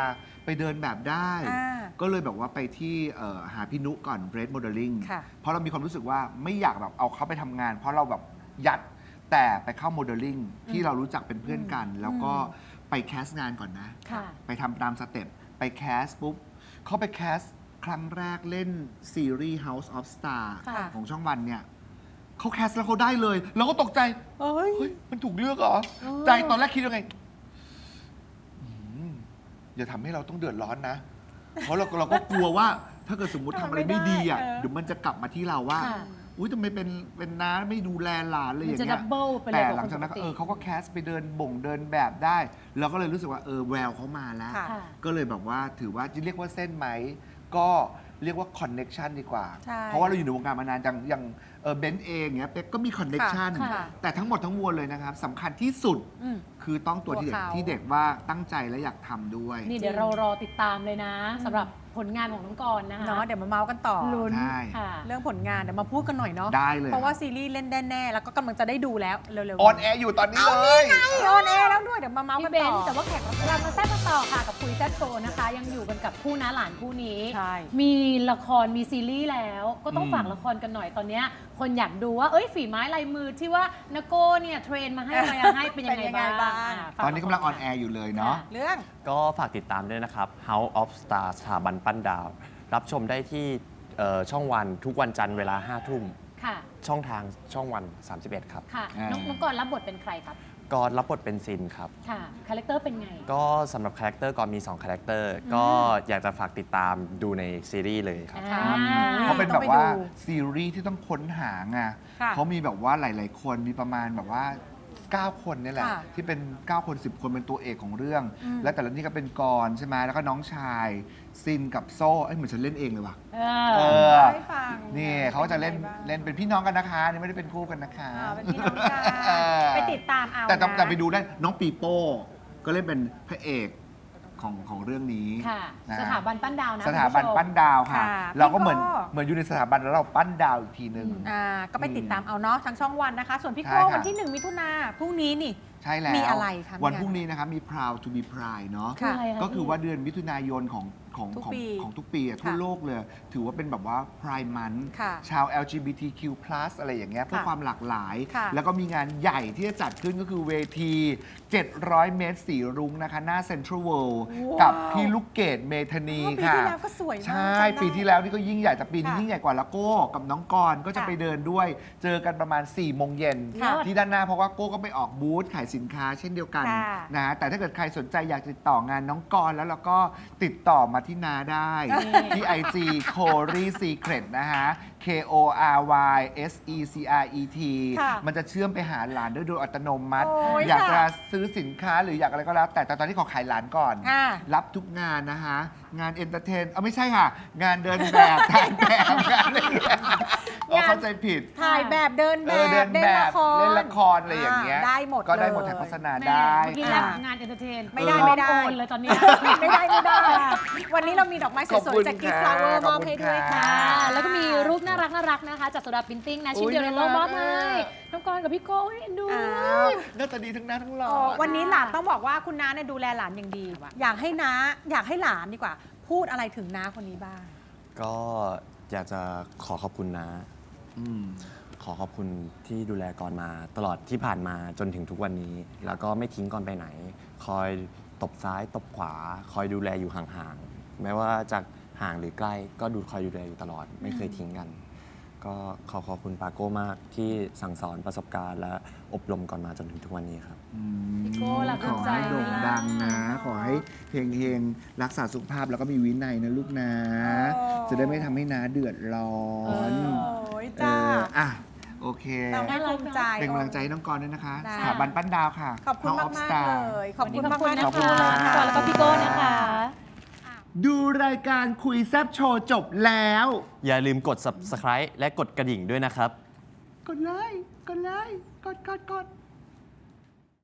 S1: ไปเดินแบบได้
S5: อ่า
S1: ก็เลยแบบว่าไปที่หาพี่นุก่อน Bread Modeling
S5: ค่ะ
S1: เพราะเรามีความรู้สึกว่าไม่อยากแบบเอาเขาไปทำงาน เพราะเราแบบยัดแต่ไปเข้าโมเดลลิ่งที่เรารู้จักเป็นเพื่อนกัน แล้วก็ไปแคสต์งานก่อนนะ
S3: ค่ะ
S1: ไปทำตามสเต็ปไปแคสปุ๊บเขาไปแคสครั้งแรกเล่นซีรีส์ House of Star
S3: ค่ะ
S1: ของช่องวันเนี่ยเขาแคสแล้วเขาได้เลยเราก็ตกใจ
S5: เอ้ย
S1: เฮ้ย มันถูกเลือกเหรอ ใจตอนแรกคิดยังไงอืมอย่าทำให้เราต้องเดือดร้อนนะ เพราะเราก็กลัวว่า ถ้าเกิดสมมติทำอะไรไม่ดีอ่ะ
S5: เออ
S1: เดี๋ยวมันจะกลับมาที่เราว่า
S3: ค่ะ
S1: อุ้ยทำไมเป็นน้าไม่ดูแลหลานเลยอ
S3: มัน
S1: ย่าง
S3: จะ
S1: เงี้
S3: ดั
S1: ย
S3: บเบิลไปเลย
S1: แต่
S3: กว่า
S1: หลังจากนั้น
S3: คนปกติ
S1: เขาก็แคสไปเดินเดินแบบได้ เราก็เลยรู้สึกว่าแววเขามาแล้ว
S5: ค่ะ
S3: ค่ะ
S1: ก็เลยแบบว่าถือว่าจะเรียกว่าเส้นไหม ก็เรียกว่าคอนเน็ชันดีกว่า
S5: ใช่
S1: เพราะว่าเราอยู่ในวงการมานานอย่างเบนซ์เองเนี้ยเป๊กก็มีคอนเน็ชัน
S3: ค่ะ
S1: แต่ทั้งหมดทั้งมวลเลยนะครับสำคัญที่สุด
S5: อืม
S1: คือต้องตัว
S5: ตัวเขา
S1: ที่เด็กว่าตั้งใจและอยากทำด้วย
S3: นี่เดี๋ยวเรารอติดตามเลยนะสำหรับผลงานของน้องกรณ์นะคะ
S5: เนาะเดี๋ยวมาเมาส์กันต่อ
S3: ลุ้น
S1: ใช่
S3: ค่ะ
S5: เรื่องผลงานเดี๋ยวมาพูดกันหน่อยเนาะ
S1: ได้เลย
S5: เพราะว่าซีรีส์เล่นแน่ๆแล้วก็กำลังจะได้ดูแล้วเร็วๆ
S1: ออนแอร์อยู่ตอนนี้เลย
S5: ออนแอร์แล้วด้วยเดี๋ยวมาเมาส์กั
S3: พี่
S5: น
S3: เบ
S5: ต่
S3: น
S5: อ
S3: ซ์แต่ว่าแขกรับเชิญเรามาแซ่บกันต่อค่ะกับคุยแซ่บโชว์นะคะ ยังอยู่กันกับคู่น้าหลานคู่นี้
S5: ใช่
S3: มีละครมีซีรีส์แล้ว ก็ต้องฝากละครกันหน่อยตอนเนี้ยคนอยากดูว่าฝีไม้ลายมือที่ว่านโก้เนี่ยเทรนมาให้อะไรให้เป็นยังไงบ้างฝ
S1: ตอนนี้กำลังออนแอร์อยู่เลยเนาะ
S5: เรื่อง
S6: ก็ฝากติดตามด้วยนะครับ House of Star สถาบันปั้นดาว รับชมได้ที่ช่องวันทุกวันจันทร์เวลา 5 ทุ่ม
S3: ค่ะ
S6: ช่องทางช่องวัน 31 ครับ
S3: ค่ะ
S1: อ่า
S3: น้องกรณ์รับบทเป็นใครครับ
S6: ก็รับบทเป็นซินครับ
S3: ค่ะคาแรคเตอร์เป็นไง
S6: ก็สำหรับคาแรคเตอร์ก็มี 2 คาแรคเตอร์ ก็อยากจะฝากติดตามดูในซีรีส์เลยครับ
S1: เขาเป็น
S5: ต้
S1: แบ
S5: องไป
S1: บว่า
S5: ดู
S1: ซีรีส์ที่ต้องค้นหาไง
S5: ค่ะ
S1: เขามีแบบว่าหลาย ๆ คนมีประมาณแบบว่า 9 คนนี่แหละ
S5: ค่ะ
S1: ที่เป็น 9 คน 10 คนเป็นตัวเอกของเรื่อง และแต่ละนี่ก็เป็นกรใช่ไหมแล้วก็น้องชายซินกับโซ่เหมือนฉันเล่นเองเลยว่ะ
S3: เอ
S1: เอ
S3: อ
S1: อ
S5: ให้ฟัง
S1: นี่เขาจะเล่น
S5: ป็ยังไงบ้าง
S1: เล่นเป็นพี่น้องกันนะคะนี่ไม่ได้เป็นคู่กันนะคะ
S5: เป็นพี่น้องกัน
S1: เออ
S5: ไปติดตามเอา
S1: แต่ต้อง
S5: นะ
S1: แต่ไปดูได้น้องปีโป้ก็เล่นเป็นพระเอกของเรื่องนี้
S3: ค่ะ
S1: นะ
S3: สถาบันปั้นดาวนะ
S1: สถาบัน
S3: คุณผู้ชม
S1: ปั้นดาวค่ะ
S5: ค่ะ
S1: เราก็เหมือน
S5: พี่โก้
S1: เหมือนอยู่ในสถาบันแล้วเราปั้นดาวอีกทีหนึ่ง
S5: ก็ไปติดตามเอาเนาะทางช่องวันนะคะ ส่วนพี่
S1: ใช่
S5: โก้
S1: ค่ะ
S5: วันที่ 1 มิถุนาพรุ่งนี้นี่
S1: ใช่แล้ว
S5: มีอะไรคะ
S1: วัน
S5: มีอะไร
S1: พรุ่งนี้นะครับมี Proud to be Pride เนาะ
S3: คืออะไรคะ
S1: ก็คือว่าเดือนมิถุนายนของ
S5: ทุก
S1: ของ
S5: ปี
S1: ของทุกปีอะทั่ว
S5: ค่ะ
S1: โลกเลย ถือว่าเป็นแบบว่า Pride Month
S5: ค่ะ
S1: ชาว LGBTQ+ อะไรอย่างเงี้ยเพื่อ
S5: ค่ะ
S1: ความหลากหลาย
S5: ค่ะ
S1: แล้วก็มีงานใหญ่ที่จะจัดขึ้นก็คือเวที 700 เมตรสีรุ้งนะคะ หน้าเซ็นทรัลเวิลด์
S5: ว้าว
S1: กับพี่ลูกเกดเมธานี
S5: ปี
S1: ค่ะ
S5: ที่แล้วก็สวยมาก
S1: ใช่
S5: จำได้
S1: ปีที่แล้วนี่ก็ยิ่งใหญ่แต่ปีนี้
S5: ค่ะ
S1: ยิ่งใหญ่กว่าแล้วโก้กับน้องกรก็จะ
S5: ค่ะ
S1: ไปเดินด้วย เจอกันประมาณ 4 โมงเย็น
S5: ค่ะ
S1: ที่ด้านหน้าเพราะว่าโก้ก็ไปออกบูธขายสินค้าเช่นเดียวกัน
S5: ค่ะ
S1: นะแต่ถ้าเกิดใครสนใจอยากติดต่องานน้องกรแล้วเราก็ติดต่อมาที่นาได้ ที่ IG Cory Secret นะฮะ KORY SECRET
S5: ค่ะ
S1: มันจะเชื่อมไปหาหลานด้วยโดยอัตโนมัติ
S5: โอ้ย
S1: อยากจะ
S5: ค่ะ
S1: ซื้อสินค้าหรืออยากอะไรก็แล้ว แต่ตอนนี้ขอขายหลานก่อน
S5: อ่า
S1: รับทุกงานนะฮะ งานเอนเตอร์เทนไม่ใช่ค่ะ งานเดินแบบถ่ายแบบงานอะไรอย่างเงี้ยอ๋อเข้าใจผิด
S5: ถ่ายแบบเดินแบ
S1: เดิ
S5: บ
S1: น
S5: เล่
S1: แบ
S5: นละ
S1: บ
S5: คร
S1: เล่นละครอะไรอย่างเงี้ย
S5: ได้หมด
S1: ก็ได้หมด
S5: เลย
S1: ถ่ายโฆษณา
S3: แม่
S1: ได้
S3: เมื่อกี้
S5: อ่ะ
S3: งานเอนเตอร์เทน
S5: ไม่ได้
S3: โอนเลยตอนเนี้ย
S5: ไม่ได้ไม่ได้ วันนี้เรามีดอกไม้ส
S1: ขอบ
S5: วย
S1: คุณ
S5: ๆจากกิฟต์
S1: ค่ะ
S5: ฟลาเวอร์
S1: ข
S5: ม
S1: อบ
S5: อบ
S1: คุณ
S5: ให้ด้วย
S1: ค่ะ
S5: ค่ะ
S3: แล้วก็มีรูปน่ารักนะคะจากโซดาปิ้นติ้งนะชิ้นเดียวในโลกมอบให้น้องกรณ์กับพี่โก้ให้ดู
S5: อ้าว
S1: หน้าตาดีทั้งหน้าทั้งหล่อ
S5: วันนี้หลานต้องบอกว่าคุณน้าเนี่ยดูแลหลานอย่างดี อยากให้หลานดีกว่า พูดอะไรถึงน้าคนนี้บ้าง
S6: ก็อยากจะขอขอบคุณนะ
S1: อืม
S6: ขอขอบคุณที่ดูแลก่อนมาตลอดที่ผ่านมาจนถึงทุกวันนี้ แล้วก็ไม่ทิ้งก่อนไปไหน คอยตบซ้ายตบขวา คอยดูแลอยู่ห่างๆ แม้ว่าจากห่างหรือใกล้ก็คอยดูแลอยู่ตลอด ไม่เคยทิ้งกัน ก็ขอบคุณปาโก้มากที่สั่งสอนประสบการณ์และอบรมก่อนมาจนถึงทุกวันนี้ครับ
S3: พี่โก้ล่ะ
S1: ขอให้โด่งดังนะ ขอให้เฮงๆ รักษาสุขภาพแล้วก็มีวินัยนะลูกนะ
S5: โอ้
S1: จะได้ไม่ทำให้น้าเดือดร้อน
S5: โอ้ยจ้า
S1: อ่ะ โอเค
S5: เราให้ภูมิใจ
S1: เป็นกำลังใจให้น้องกรณ์ด้วยนะคะ
S5: ได้
S1: สถาบันปั้นดาวค่ะ
S5: ขอบคุณ
S1: House
S5: มา
S1: of
S5: ก
S1: Star
S5: ๆเลย ขอบคุณ
S3: ขอบ
S5: มาก
S3: คุณ
S5: ๆ
S3: นะ
S5: นะ
S1: ขอบคุณ
S3: คะ
S1: ค่ะ
S3: พี่กรณ์แล้วก็พี่โก้นะคะ
S1: ดูรายการคุยแซบโชว์จบแล้ว
S6: อย่าลืมกด subscribe และกดกระดิ่งด้วยนะครับ
S1: กดเลย กดเลย กด